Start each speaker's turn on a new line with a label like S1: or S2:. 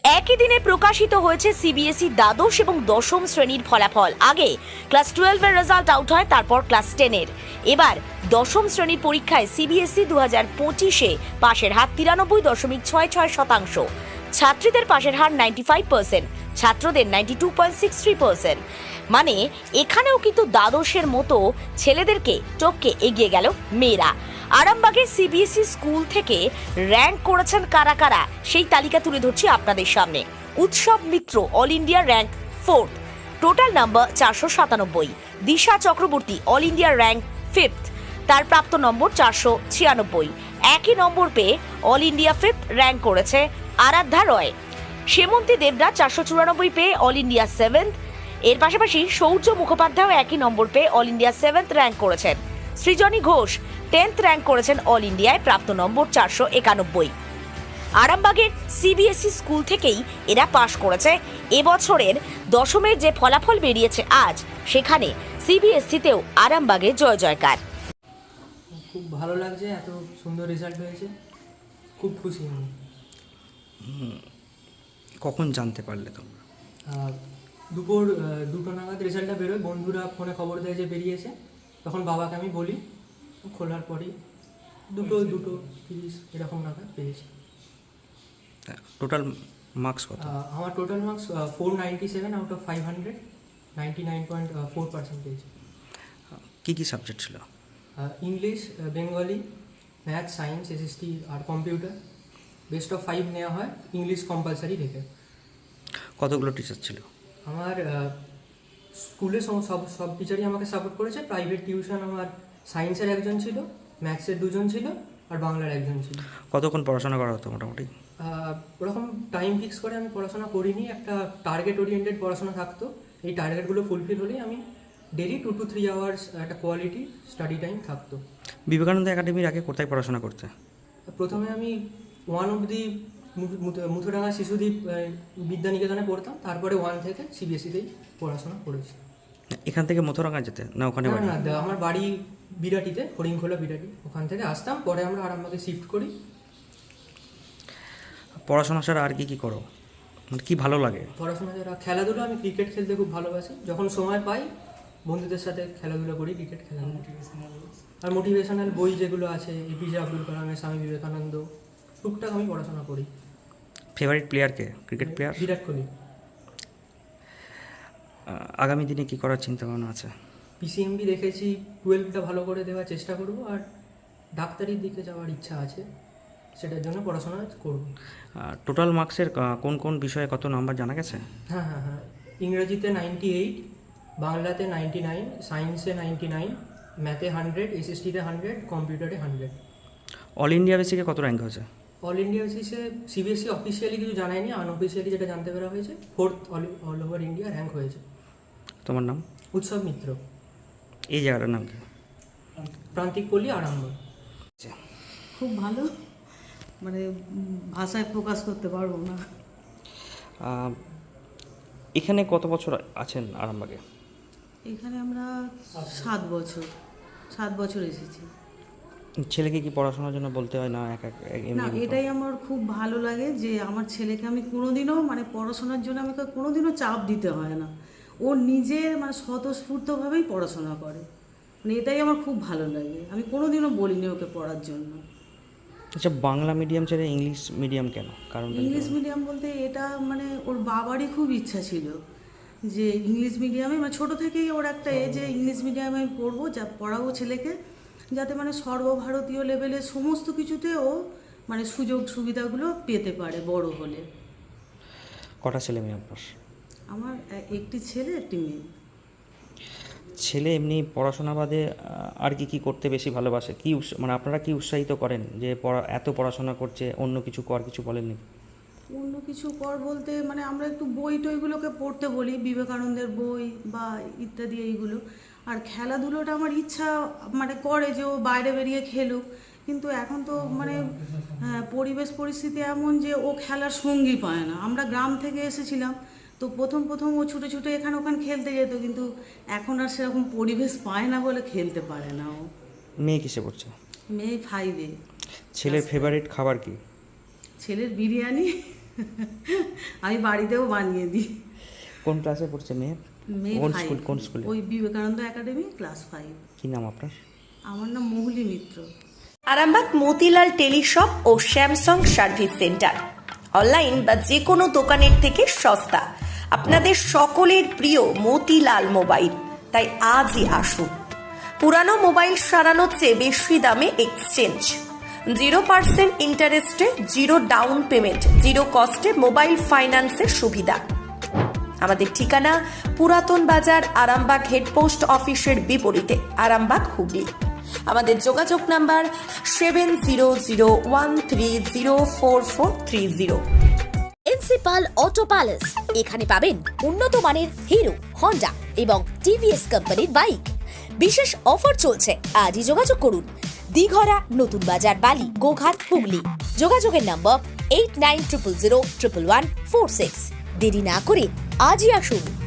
S1: একই দিনে প্রকাশিত হয়েছে সিবিএসই দ্বাদশ এবং দশম শ্রেণীর ফলাফল। আগে ক্লাস 12 এর রেজাল্ট আউট হয়, তারপর ক্লাস 10 এর। এবার দশম শ্রেণীর পরীক্ষায় সিবিএসই 2025-এ পাশের হার 93.66%। ছাত্রীদের পাশের হার 95%, ছাত্রদের 92.63%। মানে এখানেও কিন্তু দ্বাদশের মতো ছেলেদেরকে টপকে এগিয়ে গেল মেয়েরা। আরামবাগের সিবিএসই স্কুল থেকে র্যাঙ্ক করেছেন কারা কারা, সেই তালিকা তুলে ধরছি আপনাদের সামনে। Utsab Mitra all India rank 4th, total number 497। Disha Chakraborty all India rank 5th, তার প্রাপ্ত নম্বর 496। একই নম্বর পেয়ে অল ইন্ডিয়া 5th র্যাঙ্ক করেছে আরাধ্যা রয়। সেমন্তী দেবরা 494 পেয়ে অল ইন্ডিয়া 7th। এর পাশাপাশি শৌর্য মুখোপাধ্যায় একই নম্বর পেয়ে অল ইন্ডিয়া 7th র্যাঙ্ক করেছেন। সৃজনী ঘোষ 10th র্যাঙ্ক করেছেন অল ইন্ডিয়ায়, প্রাপ্ত নম্বর 491। আরামবাগের সিবিএসই স্কুল থেকেই এরা পাশ করেছে। এবছরের দশমের যে ফলাফল বেরিয়েছে আজ, সেখানে সিবিএসইতেও আরামবাগে জয় জয়কার।
S2: খুব ভালো লাগছে, এত সুন্দর রেজাল্ট হয়েছে, খুব খুশি আমি।
S3: কখন জানতে পারলে তোমরা?
S2: দুপুর 2টো নাগাদ রেজাল্টটা বেরোয়, বন্ধুরা ফোনে খবর দেয় যে বেরিয়েছে। তখন বাবাকে আমি বলি, খোলার পরেই 2:30 এরকম নাগাদ পেয়েছি।
S3: টোটাল মার্কস কত?
S2: আমার টোটাল মার্কস 497 আউট অফ 500, 99.4% পেয়েছি।
S3: কী কী সাবজেক্ট ছিল?
S2: English, Bengali, math, science, SST আর কম্পিউটার। বেস্ট অফ 5 নেওয়া হয় ইংলিশ কম্পালসারি রেখে।
S3: কতগুলো টিচার ছিল?
S2: আমার স্কুলে সব টিচারই আমাকে সাপোর্ট করেছে। প্রাইভেট টিউশন আমার সায়েন্সের একজন ছিল, ম্যাথসের 2জন ছিল আর বাংলার একজন ছিল।
S3: কতক্ষণ পড়াশোনা করা হতো মোটামুটি?
S2: ওরকম টাইম ফিক্স করে আমি পড়াশোনা করিনি, একটা টার্গেট ওরিয়েন্টেড পড়াশোনা থাকতো। এই টার্গেটগুলো ফুলফিল হলেই আমি ডেলি 2 to 3 আওয়ার্স একটা কোয়ালিটি স্টাডি টাইম থাকতো।
S3: বিবেকানন্দ একাডেমির আগে কোথায় পড়াশোনা করতে?
S2: প্রথমে আমি 1 অবধি মুথুডাঙ্গা শিশুদ্বীপ বিদ্যানিকেতনে পড়তাম, তারপরে 1 থেকে সিবিএসইতেই পড়াশোনা করেছি।
S3: এখান থেকে মথুরাঙ্গা যেতে না ওখানে বাড়ি?
S2: না, আমার বাড়ি বিরাটিতে, হরিণখোলা বিরাটি। ওখান থেকে আসতাম, পরে আমরা আরামবাগে শিফট করি।
S3: পড়াশোনা ছাড়া আর কি কি করো, কি ভালো লাগে?
S2: পড়াশোনা ছাড়া খেলাধুলা, আমি ক্রিকেট খেলতে খুব ভালোবাসি। যখন সময় পাই বন্ধুদের সাথে খেলাধুলা করি, ক্রিকেট খেলা। আর মোটিভেশনাল বই যেগুলো আছে, এপিজে আব্দুল কালামের, স্বামী বিবেকানন্দ, টুকটাক আমি পড়াশোনা করি।
S3: ফেভারিট প্লেয়ার কে? Cricket player
S2: Virat Kohli.
S3: আগামী দিনে কি করার চিন্তা ভাবনা আছে?
S2: পিসিএমবি দেখেছি, 12টা ভালো করে দেওয়ার চেষ্টা করব, আর ডাক্তারির দিকে যাওয়ার ইচ্ছা আছে, সেটার জন্য পড়াশোনা করব।
S3: টোটাল মার্কসের কোন কোন বিষয়ে কত নাম্বার জানা গেছে?
S2: হ্যাঁ, ইংরেজিতে 98, বাংলাতে 99, সায়েন্সে 99, ম্যাথে 100, এসএসটিতে 100, কম্পিউটারে 100।
S3: অল ইন্ডিয়া বেসিকে কত র্যাঙ্ক হয়েছে?
S2: অল ইন্ডিয়া বেসিসে সিবিএসই অফিসিয়ালি কিছু জানায়নি, আনঅফিসিয়ালি যেটা জানতে পারা হয়েছে 4th all over India rank হয়েছে।
S3: তোমার নাম?
S2: উৎসব মিত্র।
S3: এই জায়গাটার নাম কি?
S2: প্রান্তিক পল্লী, আরামবাগ।
S4: খুব ভালো, মানে ভাষায় প্রকাশ করতে পারবো না।
S3: এখানে কত বছর আছেন আরামবাগে?
S4: এখানে আমরা 7 বছর এসেছি।
S3: ছেলেকে কি পড়াশোনার জন্য বলতে হয় না?
S4: না, এটাই আমার খুব ভালো লাগে যে আমার ছেলেকে আমি কোনোদিনও মানে পড়াশোনার জন্য আমাকে কোনোদিনও চাপ দিতে হয় না। ও নিজে মানে স্বতঃস্ফূর্তভাবেই পড়াশোনা করে, মানে এটাই আমার খুব ভালো লাগে। আমি কোনোদিনও বলিনি ওকে পড়ার জন্য।
S3: আচ্ছা, বাংলা মিডিয়াম ছেড়ে ইংলিশ মিডিয়াম কেন? কারণ
S4: ইংলিশ মিডিয়াম বলতে এটা মানে ওর বাবারই খুব ইচ্ছা ছিল যে ইংলিশ মিডিয়ামে, মানে ছোটো থেকেই ওর একটা যে ইংলিশ মিডিয়ামে পড়বো, যা পড়াবো ছেলেকে, যাতে মানে সর্বভারতীয় লেভেলে সমস্ত কিছুতে ও মানে সুযোগ সুবিধাগুলো পেতে পারে বড় হলে।
S3: কটা ছেলে মেয়ে আপনার?
S4: আমার একটি ছেলে, একটি মেয়ে।
S3: ছেলে এমনি পড়াশোনা বাদে আর কি কি করতে বেশি ভালোবাসে? কি মানে আপনারা কি উৎসাহিত করেন যে এত পড়াশোনা করছে, অন্য কিছু কর, কিছু বলেননি?
S4: অন্য কিছু কর বলতে মানে আমরা একটু বই টইগুলোকে পড়তে বলি, বিবেকানন্দের বই বা ইত্যাদি এইগুলো। আর খেলাধুলোটা আমার ইচ্ছা মানে করে যে ও বাইরে বেরিয়ে খেলুক, কিন্তু এখন তো মানে পরিবেশ পরিস্থিতি এমন যে ও খেলার সঙ্গী পায় না। আমরা গ্রাম থেকে এসেছিলাম, তো প্রথম ও ছুটে ছুটে এখানে ওখানে খেলতে যেত, কিন্তু এখন আর সেরকম পরিবেশ পায় না বলে খেলতে পারে না ও।
S3: মেয়ে কিসে পড়ছে?
S4: মেয়ে 5-এ।
S3: ছেলের ফেভারিট খাবার কি?
S4: ছেলের বিরিয়ানি আমি বাড়িতেও বানিয়ে দিই।
S3: কোন ক্লাসে পড়ছে মেয়ে?
S4: মেয়ে
S3: কোন
S4: 5
S3: স্কুল, কোন স্কুলে?
S4: ওই বিবেকানন্দ একাডেমি ক্লাস 5।
S3: কি নাম আপনার?
S4: আমার নাম মহুলি মিত্র।
S1: আরামবাগ মতিলাল টেলিশপ ও স্যামসাং সার্ভিস সেন্টার অনলাইন বা যে কোনো দোকানের থেকে সস্তা। আপনাদের সকলের প্রিয় মতিলাল মোবাইল, তাই আজই আসুন। পুরানো মোবাইল সারানোর চেয়ে বেশি দামে এক্সচেঞ্জ, 0% ইন্টারেস্টে, 0 ডাউন পেমেন্ট, 0 কস্টে মোবাইল ফাইন্যান্সের সুবিধা। আমাদের ঠিকানা পুরাতন বাজার, আরামবাগ হেডপোস্ট অফিসের বিপরীতে, আরামবাগ, হুগলি। আমাদের যোগাযোগ নাম্বার 7001304430। প্রিন্সিপাল অটো প্যালেস, এখানে পাবেন উন্নত মানের হিরো, হন্ডা এবং টিভিএস কোম্পানির বাইক। বিশেষ অফার চলছে, আজই যোগাযোগ করুন। দিঘরা, নতুন বাজার, বালি, গোঘাট, হুগলি। যোগাযোগের নম্বর 8900011146। দেরি না করে আজই আসুন।